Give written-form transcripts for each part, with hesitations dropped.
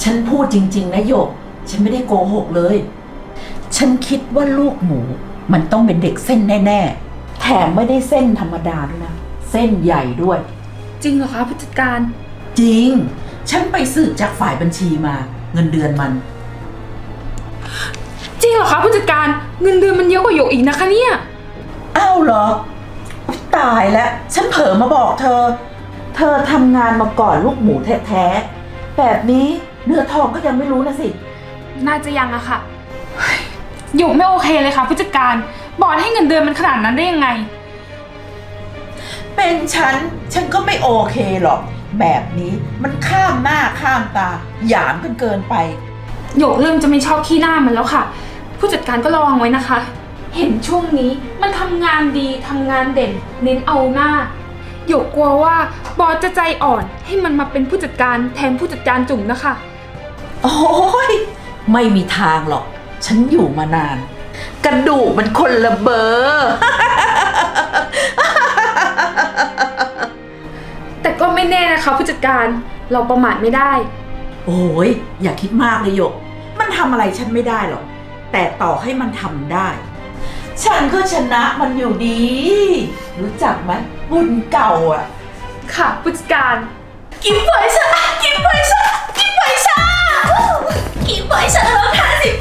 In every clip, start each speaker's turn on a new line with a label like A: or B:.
A: ฉันพูดจริงๆนะโยกฉันไม่ได้โกหกเลยฉันคิดว่าลูกหมูมันต้องเป็นเด็กเส้นแน่ๆแถมไม่ได้เส้นธรรมดาด้วยนะเส้นใหญ่ด้วย
B: จริงเหรอคะผู้จัดการ
A: จริงฉันไปสืบจากฝ่ายบัญชีมาเงินเดือนมัน
B: จริงเหรอคะผู้จัดการเงินเดือนมันเยอะกว่าหยกอีกนะคะเนี่ย
A: อ้าวเหรอตายแล้วฉันเผลอมาบอกเธอทำงานมาก่อนลูกหมูแท้ๆแบบนี้เนื้อทองก็ยังไม่รู้นะสิ
B: น่าจะยังอะค่ะหยกไม่โอเคเลยค่ะผู้จัดการบอสให้เงินเดือนมันขนาดนั้นได้ยังไง
A: เป็นฉันก็ไม่โอเคหรอกแบบนี้มันข้ามหน้าข้ามตาหยามกันเกินไป
B: หยกเริ่มจะไม่ชอบขี้หน้ามันแล้วค่ะผู้จัดการก็ระวังไว้นะคะเห็นช่วงนี้มันทำงานดีทำงานเด่นเน้นเอาหน้าหยกกลัวว่าบอสจะใจอ่อนให้มันมาเป็นผู้จัดการแทนผู้จัดการจุ๋มนะคะ
A: โอ้ยไม่มีทางหรอกฉันอยู่มานานกระดูกมันคนละเบอร์
B: แต่ก็ไม่แน่นะคะผู้จัดการเราประมาทไม่ได้
A: โอ้ยอย่าคิดมากเลยหยกมันทำอะไรฉันไม่ได้หรอกแต่ต่อให้มันทำได้ฉันก็ชนะมันอยู่ดีรู้จักไหมบุญเก่าอ่ะ
B: ค่ะผู้จัดการ
A: กินไฟชากินไฟชากินไฟชากินไฟชาลด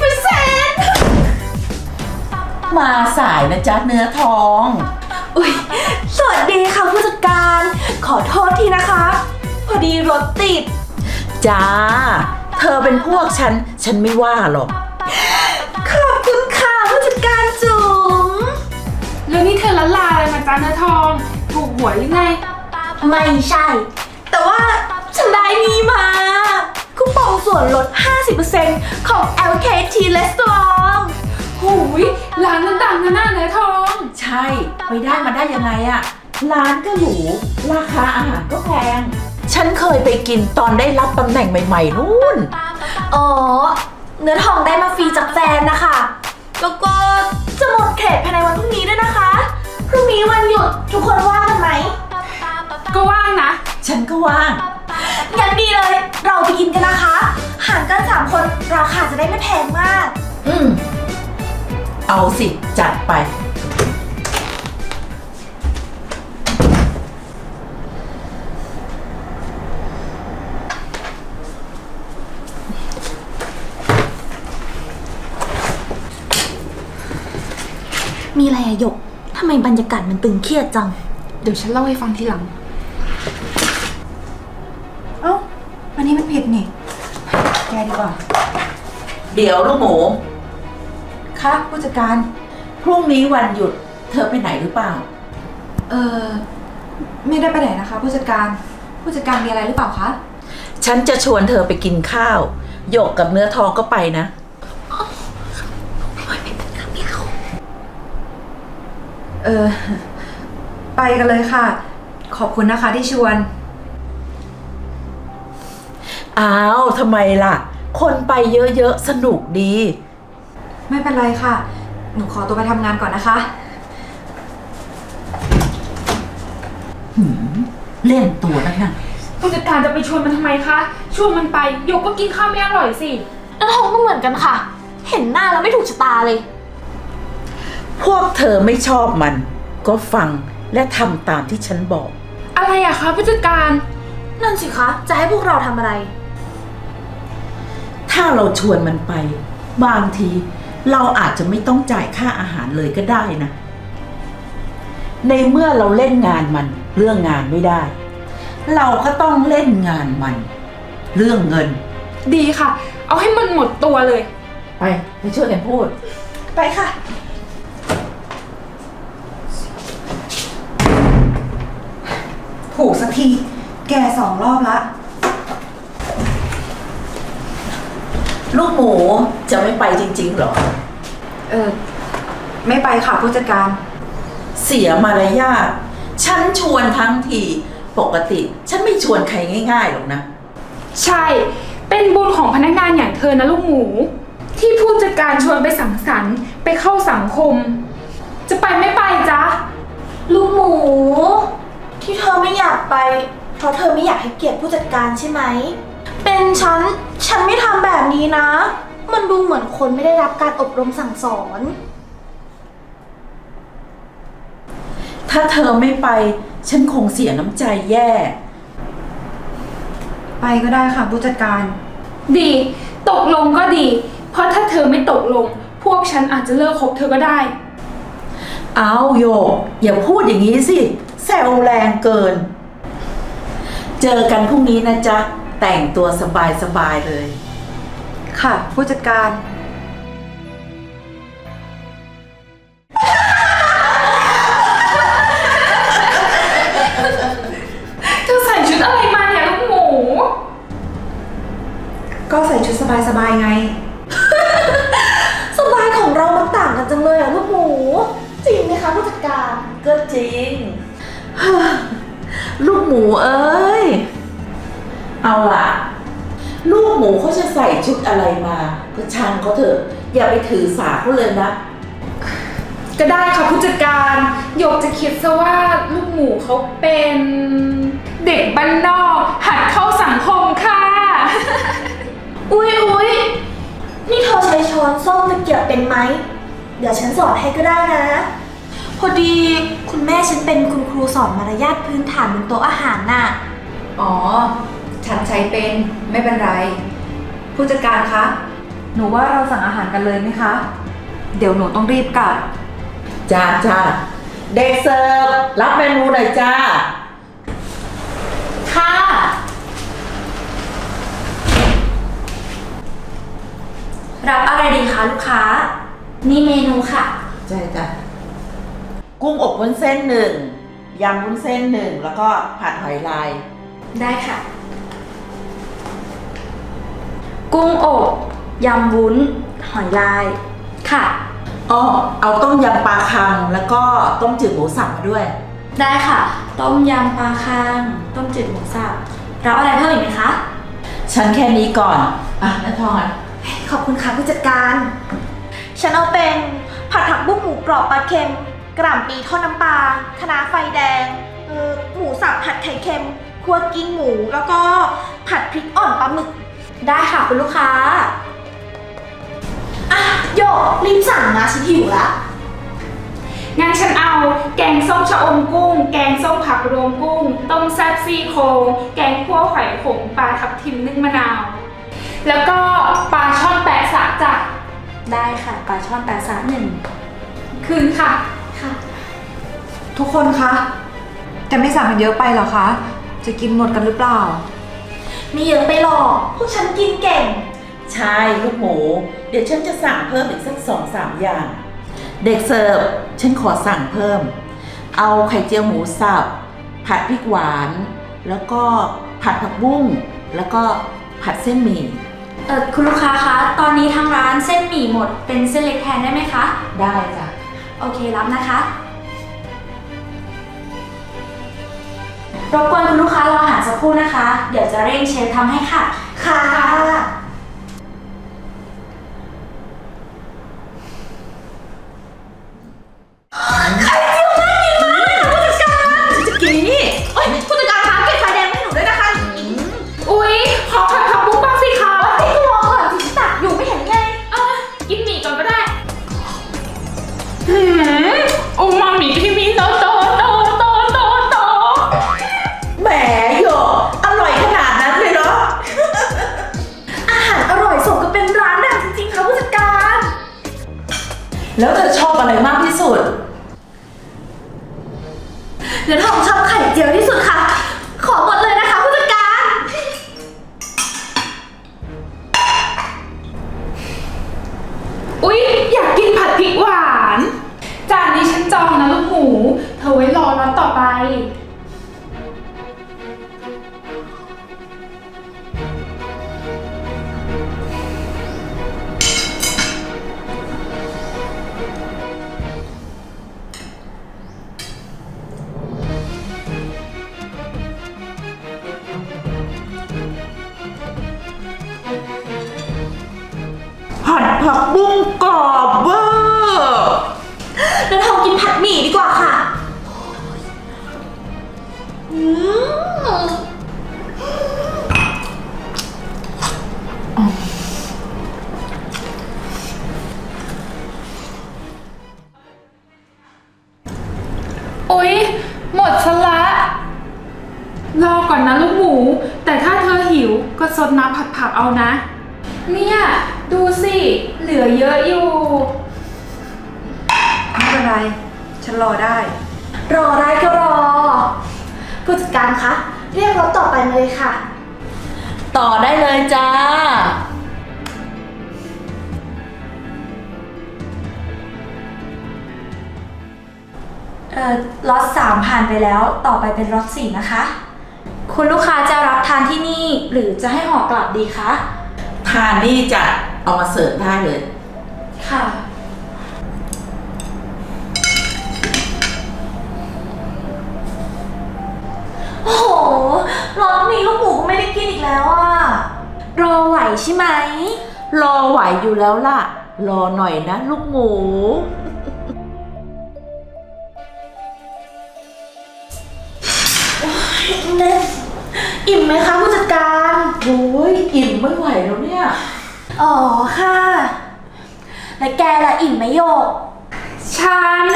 A: 50%มาสายนะจ๊ะเนื้อทอง
C: อุ๊ยสวัสดีค่ะผู้จัดการขอโทษทีนะคะพอดีรถติด
A: จ้าเธอเป็นพวกฉันไม่ว่าหรอก
C: ขอบคุณค่ะผู้จัดการจุ๋ม
B: แล้วนี่เธอละลาอะไรมาจ้าเนื้อทองถูกหวยหรือไง
C: ไม่ใช่แต่ว่าฉันได้นี่มาคูปองส่วนลด 50% ของ LKT Restaurant
B: หูยร้านนั้นดังนะหน้าเนื้อทอง
A: ใช่ไปได้มาได้ยังไงอะร้านก็หรูราคาอาหารก็แพงฉันเคยไปกินตอนได้รับตำแหน่งใหม่ๆนู่น
C: อ๋อเนื้อทองได้มาฟรีจากแฟนนะคะแล้วก็จะหมดเขตภายในวันพรุ่งนี้ด้วยนะคะพรุ่งนี้วันหยุดทุกคนว่างกันไหม
B: ก็ว่างนะ
A: ฉันก็ว่าง
C: งั้นดีเลยเราไปกินกันนะคะหารกัน3 คนราคาจะได้ไม่แพงมาก
A: เอาสิจัดไป
C: มีอะไรอะหยกทำไมบรรยากาศมันตึงเครียดจัง
B: เดี๋ยวฉันเล่าให้ฟังทีหลัง
C: เอ้าวันนี้มันผิดนี่แกดีกว่า
A: เดี๋ยวลูกหมู
C: ค่ะผู้จัดการ
A: พรุ่งนี้วันหยุดเธอไปไหนหรือเปล่า
C: ไม่ได้ไปไหนนะคะผู้จัดการมีอะไรหรือเปล่าคะ
A: ฉันจะชวนเธอไปกินข้าวหยกกับเนื้อทองก็ไปนะ
C: ไปกันเลยค่ะขอบคุณนะคะที่ชวน
A: อ้าวทำไมล่ะคนไปเยอะๆสนุกดี
C: ไม่เป็นไรค่ะหนูขอตัวไปทำงานก่อนนะคะ
A: เล่นตัวนักนะ
B: ผู้จัดการจะไปชวนมันทำไมคะชวนมันไปหยกก็กินข้าวไม่อร่อยสิ
C: แล้วท้องก็เหมือนกันค่ะเห็นหน้าแล้วไม่ถูกชะตาเลย
A: พวกเธอไม่ชอบมันก็ฟังและทำตามที่ฉันบอก
B: อะไรอะคะผู้จัดการ
C: นั่นสิคะจะให้พวกเราทำอะไร
A: ถ้าเราชวนมันไปบางทีเราอาจจะไม่ต้องจ่ายค่าอาหารเลยก็ได้นะในเมื่อเราเล่นงานมันเรื่องงานไม่ได้เราก็ต้องเล่นงานมันเรื่องเงิน
B: ดีค่ะเอาให้มันหมดตัวเลย
A: ไปช่วยกันพูด
C: ไปค่ะถูกสักทีแก2 รอบละ
A: ลูกหมูจะไม่ไปจริงๆหรอ
C: ไม่ไปค่ะผู้จัดการ
A: เสียมารยาทฉันชวนทั้งทีปกติฉันไม่ชวนใครง่ายๆหรอกนะ
B: ใช่เป็นบุญของพนักงานอย่างเธอนะลูกหมูที่ผู้จัดการชวนไปสังสรรค์ไปเข้าสังคมจะไปไม่ไปจ๊ะ
C: ลูกหมูที่เธอไม่อยากไปเพราะเธอไม่อยากให้เกียรติผู้จัดการใช่ไหมเป็นฉันไม่ทนี้นะ มันดูเหมือนคนไม่ได้รับการอบรมสั่งสอน
A: ถ้าเธอไม่ไปฉันคงเสียน้ำใจแย่
D: ไปก็ได้ค่ะผู้จัดการ
B: ดีตกลงก็ดี เพราะถ้าเธอไม่ตกลง พวกฉันอาจจะเลิกคบเธอก็ได้
A: เอาโยกอย่าพูดอย่างนี้สิแซวแรงเกิน เจอกันพรุ่งนี้นะจ๊ะ แต่งตัวสบายๆเลย
D: ค่ะผู้จัดการ
B: เธอใส่ชุดอะไรมาเนี่ยลูกหมู
D: ก็ใส่ชุดสบายๆไง
C: สบายของเรามันต่างกันจังเลยอะลูกหมู จริงไหมคะผู้จัดการ
A: ก็จริง ลูกหมูเอ้ย เอาล่ะ ลูกหมูเขาจะใส่ชุดอะไรมาก็ช่างเขาเถอะ อย่าไปถือสาเขาเลยนะ
B: ก็ได้ค่ะผู้จัดการหยกจะคิดซะว่าลูกหมูเขาเป็นเด็กบ้านนอกหัดเข้าสังคมค่ะ
C: อุ๊ยนี่เธอใช้ช้อนส้อมตะเกียบเป็นไหม เดี๋ยวฉันสอนให้ก็ได้นะ พอดีคุณแม่ฉันเป็นคุณครูสอนมารยาทพื้นฐานบนโต๊ะอาหารน่ะ
D: อ๋อ ฉันใช้เป็นไม่เป็นไร ผู้จัดการคะ หนูว่าเราสั่งอาหารกันเลยไหมคะ เดี๋ยวหนูต้องรีบกลับ
A: จ้าเด็กเสิร์ฟรับเมนูหน่อยจ้า
C: ค่ะ รับอะไรดีคะลูกค้า นี่เมนูค่ะ
A: จ้ากุ้งอบวุ้นเส้นหนึ่งยำวุ้นเส้นหนึ่งแล้วก็ผัดหอยลาย
C: ได้ค่ะ กุ้งอบยำวุ้น หอยลาย ค่ะ
A: อ้อเอาต้มยำปลาคังแล้วก็ต้มจืดหมูสับมาด้วย
C: ได้ค่ะ ต้มยำปลาคังต้มจืดหมูสับรับอะไรเพิ่มอีกไหมคะ
A: ฉันแค่นี้ก่อน อ่ะน้าทองอ่ะ
C: ขอบคุณค่ะผู้จัดการ ฉันเอาเป็นผัดผักบุ้งหมูกรอบปลาเค็ม กระหล่ำปีทอดน้ำปลาคะน้าไฟแดง หมูสับผัดไข่เค็มคั่วกิ้งหมู แล้วก็ผัดพริกอ่อนปลาหมึก ได้ค่ะคุณลูกค้า อ่ะโยกรีบสั่งนะฉันหิวละ
B: งั้นฉันเอาแกงส้มชะอมกุ้ง แกงส้มผักรวมกุ้ง ต้มแซ่บซี่โครงแกงคั่วหอยขมปลาทับทิมนึ่งมะนาว แล้วก็ปลาช่อนแปะสะจ้ะ
C: ได้ค่ะปลาช่อนปลาสาหนึ่ง
B: คืนค่ะ
C: ค่ะ
D: ทุกคนคะ จะไม่สั่งกันเยอะไปเหรอคะ จะกินหมดกันหรือเปล่า
C: ไม่เยอะไปหรอกพวกฉันกินเก่ง
A: ใช่ลูกหมู เดี๋ยวฉันจะสั่งเพิ่มอีกสัก2-3 อย่าง เด็กเสิร์ฟฉันขอสั่งเพิ่ม เอาไข่เจียวหมูสับ ผัดพริกหวาน แล้วก็ผัดผักบุ้ง แล้วก็ผัดเส้นหมี่
C: คุณลูกค้าคะ ตอนนี้ทางร้านเส้นหมี่หมด เป็นเส้นเล็กแทนได้ไหมคะ
A: ได้จ้ะ
C: โอเครับนะคะ รบกวนคุณลูกค้ารออาหารสักครู่นะคะ เดี๋ยวจะเร่งเชฟทำให้ค่ะ ค่ะ
A: จะกินนี่
C: โอ๊ยผู้จัดการคะเก็บไฟแดงให้หนูด้วยนะคะ
B: อุ๊ย ขอผัดผักบุ้งบ้างสิคะ
C: ให้รอก่อนสิตักอยู่ไม่เห็นไง
B: กินหมี่ก่อนก็ได้โอมามิที่มีโตโตโตโตโตโต
A: แหมโยกอร่อยขนาดนั้นเลยเหรอ
C: อาหารอร่อยสมกับเป็นร้านดังจริงๆค่ะผู้จัดการ
A: แล้วเธอชอบอะไรมากที่สุด
C: เดี๋ยวทองชอบไข่เจียวที่สุดค่ะ ขอหมดเลยนะคะผู้จัดการ
B: อุ๊ย อยากกินผัดพริกหวาน จานนี้ฉันจองนะลูกหมู เธอไว้รอร้านต่อไป
A: ผัดผักบุ้งกรอบเวอร์
C: เดี๋ยวทองกินผัดหมี่ดีกว่าค่ะอืม
B: ผักเอานะ เนี่ย ดูสิ เหลือเยอะอยู่
D: ไม่เป็นไร ฉันรอได้
C: รอได้ก็รอ ผู้จัดการคะ เรียกรถต่อไปมาเลยค่ะ
A: ต่อได้เลยจ้า
C: ล็อต3ผ่านไปแล้ว ต่อไปเป็นล็อต4นะคะ คุณลูกค้าจะรับทานที่นี่หรือจะให้ห่อกลับดีคะ
A: ทานนี่จะเอามาเสิร์ฟได้เลย
C: ค่ะ โอ้โหล็อตนี้ลูกหมูก็ไม่ได้กินอีกแล้วอะรอไหวใช่ไหม
A: รอไหวอยู่แล้วล่ะ รอหน่อยนะลูกหมู
C: เน่อิ่มไหมคะผู้จัดการ
A: โอ้ยอิ่มไม่ไหวแล้วเนี่ย
C: อ๋อค่ะ แล้วแกล่ะอิ่มไหมโยก
B: ฉัน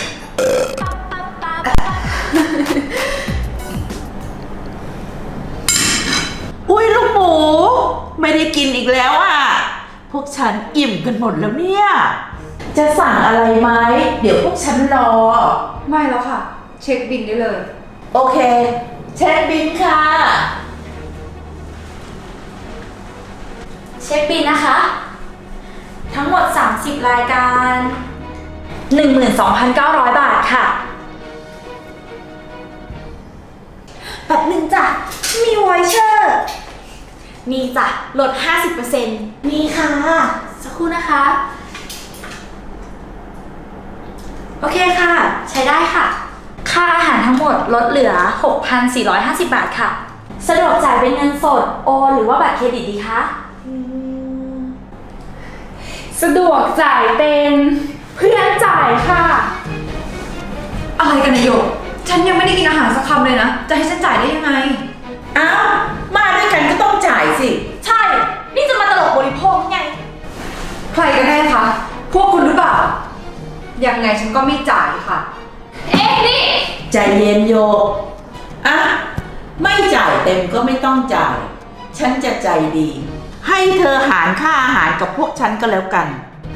A: อุ้ยลูกหมู ไม่ได้กินอีกแล้วอ่ะ พวกฉันอิ่มกันหมดแล้วเนี่ย จะสั่งอะไรไหม เดี๋ยวพวกฉันรอ
D: ไม่แล้วค่ะ เช็คบินได้เลย
A: โอเค เช็คบินค่ะ
C: เช็คบินนะคะ ทั้งหมด 30 รายการ 12,900 บาทค่ะแบบหนึ่งจ้ะ มีไวเชอร์ มีจ้ะ ลด 50%มีค่ะ สักครู่นะคะ โอเคค่ะ ใช้ได้ค่ะ ค่าอาหารทั้งหมดลดเหลือ 6,450 บาทค่ะ สะดวกจ่ายเป็นเงินสด โอนหรือว่าบัตรเครดิตดีคะ
B: สะดวกจ่ายเป็นเพื่อนจ่ายค่ะ
D: อะไรกันนายโยก ฉันยังไม่ได้กินอาหารสักคำเลยนะ จะให้ฉันจ่ายได้ยังไง
A: อ้าว มาด้วยกันก็ต้องจ่ายสิ
C: ใช่ นี่จะมาตลกบริโภคไง
D: ใครกันแน่คะ พวกคุณหรือเปล่า ยังไงฉันก็ไม่จ่ายค่ะ
B: เอ๊ะนี่
A: ใจเย็นโยกอ่ะ ไม่จ่ายเต็มก็ไม่ต้องจ่าย ฉันจะใจดี ให้เธอหารค่าอาหารกับพวกฉันก็แล้วกัน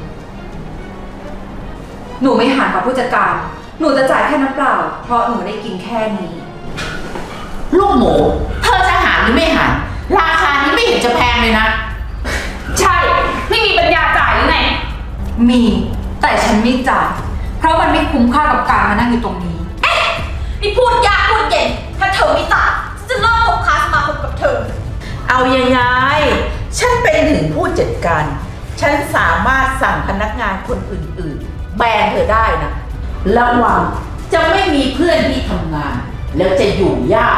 D: หนูไม่หารกับผู้จัดการ หนูจะจ่ายแค่น้ำเปล่า เพราะหนูได้กินแค่นี้
A: ลูกหมู เธอจะหารหรือไม่หาร ราคานี้ไม่เห็นจะแพงเลยนะ
B: ใช่ ไม่มีปัญญาจ่ายหรือไง
D: มี แต่ฉันไม่จ่าย เพราะมันไม่คุ้มค่ากับการมานั่งอยู่ตรงนี้
C: นี่พูดยากพูดเย็น ถ้าเธอไม่จ่ายฉันจะเลิกคบค้าสมาคมกับเธอ
A: เอายังไง ฉันเป็นถึงผู้จัดการ ฉันสามารถสั่งพนักงานคนอื่นๆ แบนเธอได้นะ ระวังจะไม่มีเพื่อนที่ทำงาน แล้วจะอยู่ยาก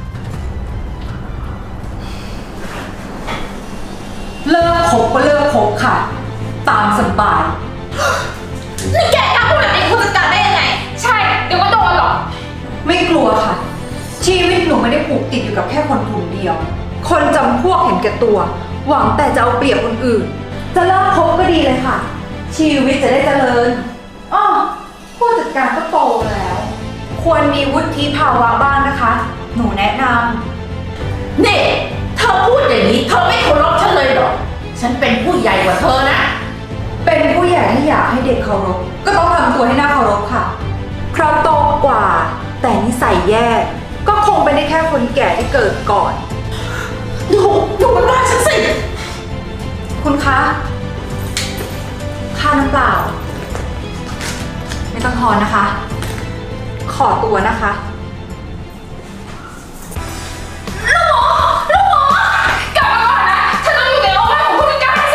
D: เลิกคบก็เลิกคบค่ะ ตามสบาย
C: นี่แกกล้าพูดแบบนี้กับผู้จัดการได้ยังไง
B: ใช่ เดี๋ยวก็โดนหรอก
D: ไม่กลัวค่ะ ชีวิตหนูไม่ได้ผูกติดอยู่กับแค่คนกลุ่มเดียว คนจำพวกเห็นแก่ตัว หวังแต่จะเอาเปรียบคนอื่น จะเลิกคบก็ดีเลยค่ะ ชีวิตจะได้เจริญอ้อผู้จัดการก็โตแล้ว ควรมีวุฒิภาวะบ้างนะคะ หนูแนะนำ
A: นี่เธอพูดอย่างนี้เธอไม่เคารพฉันเลยเหรอ ฉันเป็นผู้ใหญ่กว่าเธอนะ
D: เป็นผู้ใหญ่ที่อยากให้เด็กเคารพก็ต้องทำตัวให้น่าเคารพค่ะ เพราะโตกว่า แต่นิสัยแย่ก็คงเป็นได้แค่คนแก่ที่เกิดก่อน
A: ดูมันว่าฉันสิ
D: คุณคะ ค่าน้ำเปล่า ไม่ต้องทอนนะคะ ขอตัวนะคะ
B: กลับมาก่อนนะ ฉันต้องอยู่ในอ้อมอกของผู้จัดการสิ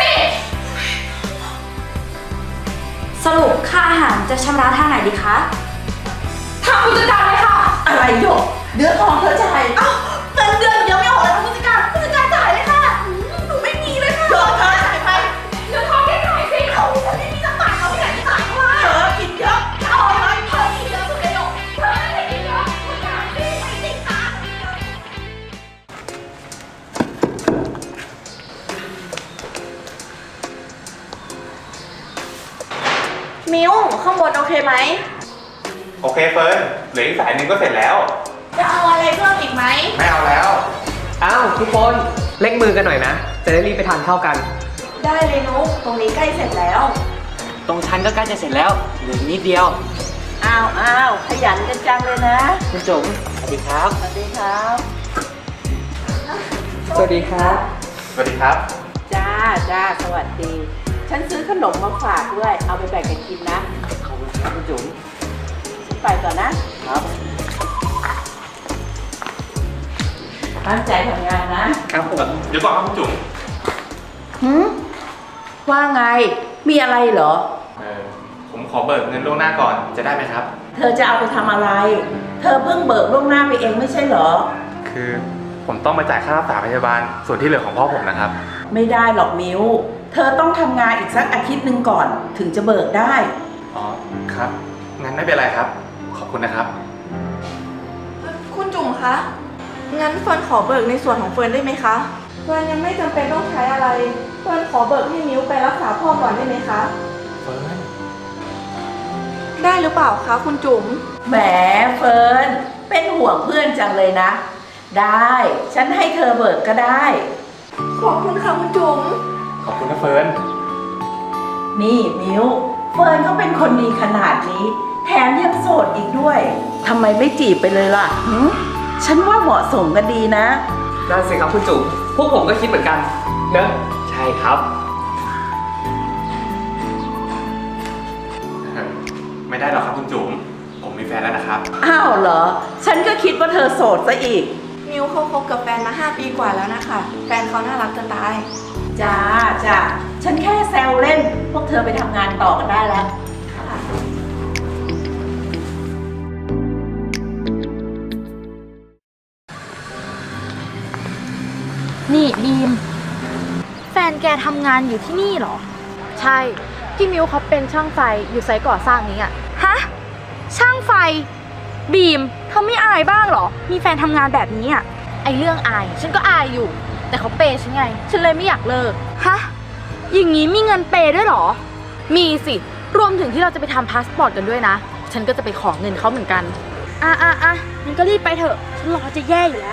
C: สรุปค่าอาหารจะชำระทางไหนดีคะ
B: ทางผู้จัดการเลยค่ะ
A: อะไรโยกเดือดทองเธอจ่าย
C: เอ้าเงินเดือนเดี๋ยวไม่ออกเลยค่ะผู้จัดการจ่ายเลยค่ะหนูไม่มีเลยค่ะ
A: โยกเธอจ่ายไป
B: เดี๋ยวทองแค่ไหนสิ
C: เอาฉันไม่มีสักบาทเอาที่ไหนไปจ่ายเขาล่ะ
A: เธอกินเยอะ
C: เอาไปเธอกินเยอะสุดเลยหรอกเธอไม่ได้กินเยอะผู้จัดการไม่ติดค่ะมิวข้างบนโอเคไหม
E: โอเคเฟิร์นเหลืออีกสายหนึ่งก็เสร็จแล้ว
C: จะเอาอะไรเพิ่มอีกไหม
E: ไม่เอาแล้ว
F: อ้าวทุกคนเร่งมือกันหน่อยนะจะได้รีบไปทานข้าวกัน
C: ได้เลยนุ๊กตรงนี้ใกล้เสร็จแล้ว
F: ตรงชั้นก็ใกล้จะเสร็จแล้วเหลือนิดเดียว
A: อ้าวขยันกันจังเลยนะ
F: คุณจุ๋มสวัสดีครับ
A: สวัสดีครับ
F: สวัสดีครับ
E: สวัสดีครับ
A: จ้าสวัสดี ฉันซื้อขนมมาฝากด้วย เอาไปแบ่งกันกินนะ
F: ขอบคุณครับคุณจุ๋ม
A: ฉันไปก่อนนะ
F: ครับ
A: ตั้งใจทำงานนะ
F: ครับผม
E: เดี๋ยวก่อนครับคุณจุ๋ม
A: ว่าไง มีอะไรเหรอ
E: ผมขอเบิกเงินล่วงหน้าก่อน จะได้ไหมครับ
A: เธอจะเอาไปทำอะไร เธอเพิ่งเบิกล่วงหน้าไปเองไม่ใช่เหรอ
E: คือผมต้องมาจ่ายค่ารักษาพยาบาล ส่วนที่เหลือของพ่อผมนะครับ
A: ไม่ได้หรอกมิว เธอต้องทำงานอีกสักอาทิตย์หนึ่งก่อน ถึงจะเบิกได้
E: อ๋อ ครับ งั้นไม่เป็นไรครับ ขอบคุณนะครับ
C: คุณจุ๋มคะ งั้นเฟิร์นขอเบิกในส่วนของเฟิร์นได้ไหมคะ เฟิร์นยังไม่จำเป็นต้องใช้อะไร เฟิร์นขอเบิกให้มิ้วไปรักษาพ่อก่อนได้ไหมคะ
E: เฟิร์น
C: ได้หรือเปล่าคะคุณจุ๋ม
A: แหมเฟิร์น เป็นห่วงเพื่อนจังเลยนะ ได้ ฉันให้เธอเบิกก็ได้
C: ขอบคุณค่ะคุณจุ๋ม
E: ขอบคุณนะเฟิร์น
A: นี่มิว เฟิร์นเขาเป็นคนดีขนาดนี้ แถมยังโสดอีกด้วยทำไมไม่จีบไปเลยล่ะฉันว่าเหมาะสมกันดีนะ
F: นั่นสิครับคุณจุ๋มพวกผมก็คิดเหมือนกันเนอะใช่ครับ
E: ไม่ได้หรอกครับคุณจุ๋ม ผมมีแฟนแล้วนะครับ
A: อ้าวเหรอ ฉันก็คิดว่าเธอโสดซะอีก
C: มิวเขาคบกับแฟนมา 5 ปีกว่าแล้วนะคะ แฟนเขาน่ารักจะตาย
A: จ้า ฉันแค่แซวเล่น พวกเธอไปทำงานต่อกันได้แล้ว
G: นี่บีม แฟนแกทำงานอยู่ที่นี่เหรอ ใช่ พี่มิวเขาเป็นช่างไฟอยู่ไซต์ก่อสร้างนี้อะฮะ ช่างไฟ บีมเธอไม่อายบ้างเหรอ มีแฟนทำงานแบบนี้อะไอเรื่องอาย ฉันก็อายอยู่ แต่เขาเปย์ฉันไง ฉันเลยไม่อยากเลิก ฮะ อย่างนี้มีเงินเปย์ด้วยเหรอ มีสิ รวมถึงที่เราจะไปทำพาสปอร์ตกันด้วยนะ ฉันก็จะไปขอเงินเขาเหมือนกัน งั้นก็รีบไปเถอะ ฉันรอจะแย่อยู่แล้ว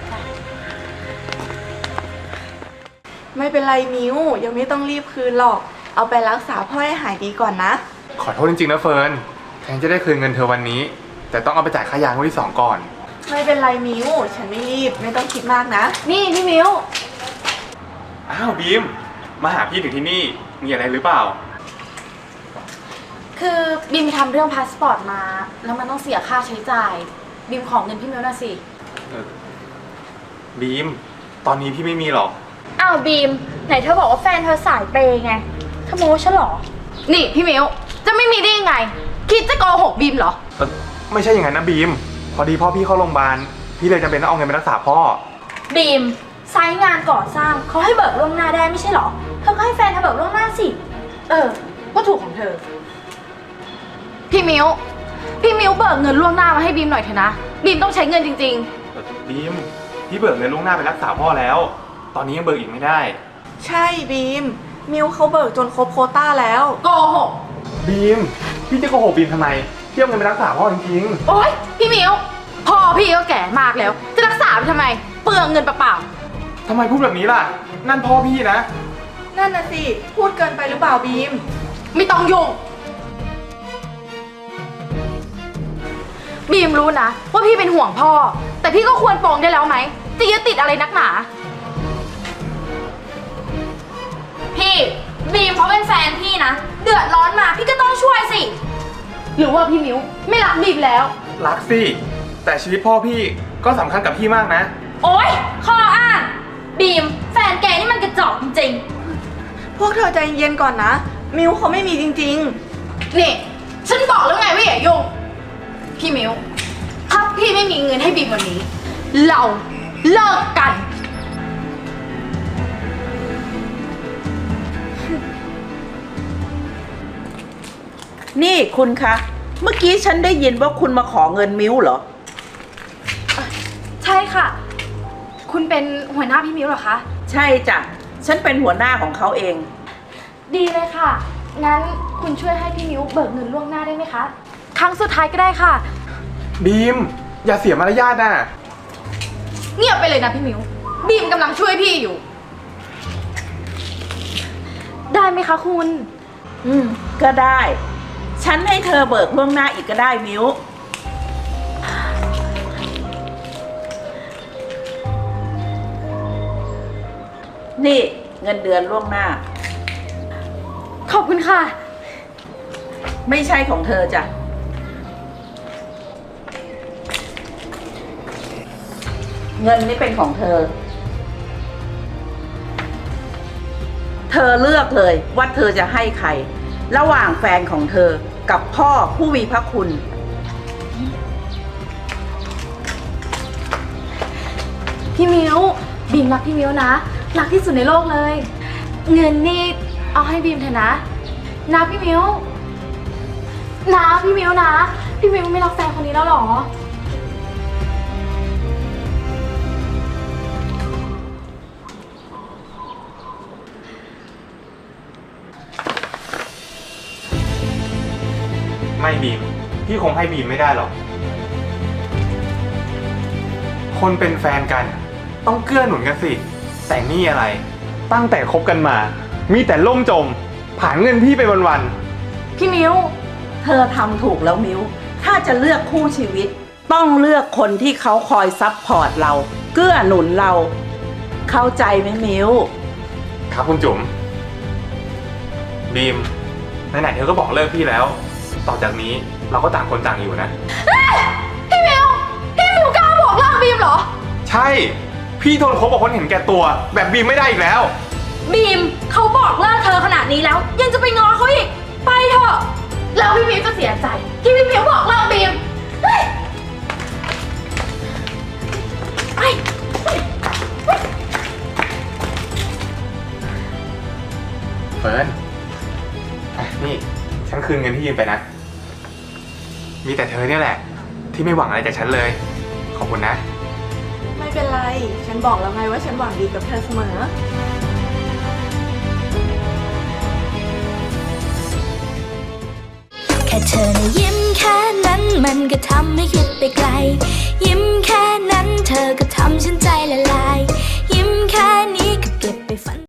C: ไม่เป็นไรมิวยังไม่ต้องรีบคืนหรอก เอาไปรักษาพ่อให้หายดีก่อนนะ
E: ขอโทษจริงๆนะเฟิร์น แทนจะได้คืนเงินเธอวันนี้ แต่ต้องเอาไปจ่ายค่ายางวันที่2ก่อน
C: ไม่เป็นไรมิวฉันไม่รีบ ไม่ต้องคิดมากนะ
G: นี่พี่มิว
E: อ้าวบีม มาหาพี่ถึงที่นี่ มีอะไรหรือเปล่า
G: คือบีมไปทำเรื่องพาสปอร์ตมา แล้วมันต้องเสียค่าใช้จ่าย บีมขอเงินพี่มิวน่ะสิ
E: บีม ตอนนี้พี่ไม่มีหรอก
G: อ้าวบีม ไหนเธอบอกว่าแฟนเธอสายเปย์ไงเธอโม้ฉันเหรอ นี่พี่มิว จะไม่มีได้ยังไง คิดจะโกหกบีมเหรอ
E: ไม่ใช่อย่างนั้นนะบีม พอดีพ่อพี่เข้าโรงพยาบาล พี่เลยจำเป็นต้องเอาเงินไปรักษาพ่อ
G: บีมไซต์งานก่อสร้างเขาให้เบิกล่วงหน้าได้ไม่ใช่เหรอ เธอก็ให้แฟนเธอเบิกล่วงหน้าสิ ก็ถูกของเธอ พี่มิวเบิกเงินล่วงหน้ามาให้บีมหน่อยเถอะนะ บีมต้องใช้เงินจริง
E: บีม พี่เบิกเงินล่วงหน้าไปรักษาพ่อแล้ว ตอนนี้ยังเบิกอีกไม่ได้
C: ใช่บีม มิวเขาเบิกจนครบโควต้าแล้ว
G: ๆ โกหก
E: บีม พี่จะโกหกบีมทำไมพี่เอาเงินไปรักษาพ่อจริง
G: โอ๊ยพี่มิวพ่อพี่ก็แก่มากแล้ว จะรักษาไปทำไม เปลืองเงินเปล่า
E: ๆทำไมพูดแบบนี้ล่ะ นั่นพ่อพี่นะ
C: นั่นน่ะสิ พูดเกินไปหรือเปล่าบีม
G: ๆไม่ต้องยุ่งบีมรู้นะว่าพี่เป็นห่วงพ่อ แต่พี่ก็ควรปรงได้แล้วไหมจะยึดติดอะไรนักหนา พี่บีมเขาเป็นแฟนพี่นะ เดือดร้อนมาพี่ก็ต้องช่วยสิ หรือว่าพี่มิวไม่รักบีมแล้ว
E: รักสิ แต่ชีวิตพ่อพี่ก็สำคัญกับพี่มากนะ
G: โอ๊ยข้ออ้างบีมแฟนแกนี่มันกระจอกจริง
C: พวกเธอใจเย็นก่อนนะ มิวเขาไม่มีจริง
G: ๆนี่ฉันบอกแล้วไงว่าอย่ายุ่งพี่มิวถ้าพี่ไม่มีเงินให้บีมวันนี้ เราเลิกกัน
A: นี่คุณคะ เมื่อกี้ฉันได้ยินว่าคุณมาขอเงินมิวเหรอ
G: ใช่ค่ะ คุณเป็นหัวหน้าพี่มิวเหรอคะ
A: ใช่จ้ะ ฉันเป็นหัวหน้าของเขาเอง
G: ดีเลยค่ะ งั้นคุณช่วยให้พี่มิวเบิกเงินล่วงหน้าได้ไหมคะ ครั้งสุดท้ายก็ได้ค่ะ
E: บีม อย่าเสียมารยาทนะ
G: เงียบไปเลยนะพี่มิวบีมกำลังช่วยพี่อยู่ไหมคะคุณ
A: ก็ได้ ฉันให้เธอเบิกล่วงหน้าอีกก็ได้มิวนี่เงินเดือนล่วงหน้า
G: ขอบคุณค่ะ
A: ไม่ใช่ของเธอจ้ะ เงินนี่เป็นของเธอ เธอเลือกเลยว่าเธอจะให้ใคร ระหว่างแฟนของเธอกับพ่อผู้มีพระคุณ
G: พี่มิวบีมรักพี่มิวนะ รักที่สุดในโลกเลย เงินนี่เอาให้บีมเถอะนะพี่มิวนะพี่มิวนะ พี่มิวไม่รักแฟนคนนี้แล้วเหรอ
E: ไม่บีม พี่คงให้บีมไม่ได้หรอก คนเป็นแฟนกัน ต้องเกื้อหนุนกันสิ แต่นี่อะไร ตั้งแต่คบกันมา มีแต่ล่มจม ผ่านเงินพี่ไปวัน
G: พี่มิว
A: เธอทำถูกแล้วมิว ถ้าจะเลือกคู่ชีวิต ต้องเลือกคนที่เขาคอยซัพพอร์ตเรา เกื้อหนุนเรา เข้าใจไหมมิว
E: ๆ ครับคุณจุ๋ม บีม ไหนๆเธอก็บอกเลิกพี่แล้ว ต่อจากนี้เราก็ต่างคนต่างอยู่นะ
G: พี่มิวกล้าบอกเลิกบีมเหรอ
E: ใช่ พี่ทนคบกับคนเห็นแก่ตัว แบบบีมไม่ได้อีกแล้ว
G: บีมเขาบอกเลิกเธอขนาดนี้แล้ว ยังจะไปง้อเขาอีก ไปเถอะ แล้วพี่มิวจะเสียใจที่พี่มิวบอกเลิกบีมเฮ้ยไป
E: เฟิร์นอ่ะนี่ ฉันคืนเงินที่ยืมไปนะ มีแต่เธอเนี่ยแหละ ที่ไม่หวังอะไรจากฉันเลย ขอบคุณนะ
C: ไม่เป็นไร ฉันบอกแล้วไงว่าฉันหวังดีกับเธอเสมอ
H: แค่เธอนะยิ้มแค่นั้นมันก็ทำให้คิดไปไกลยิ้ม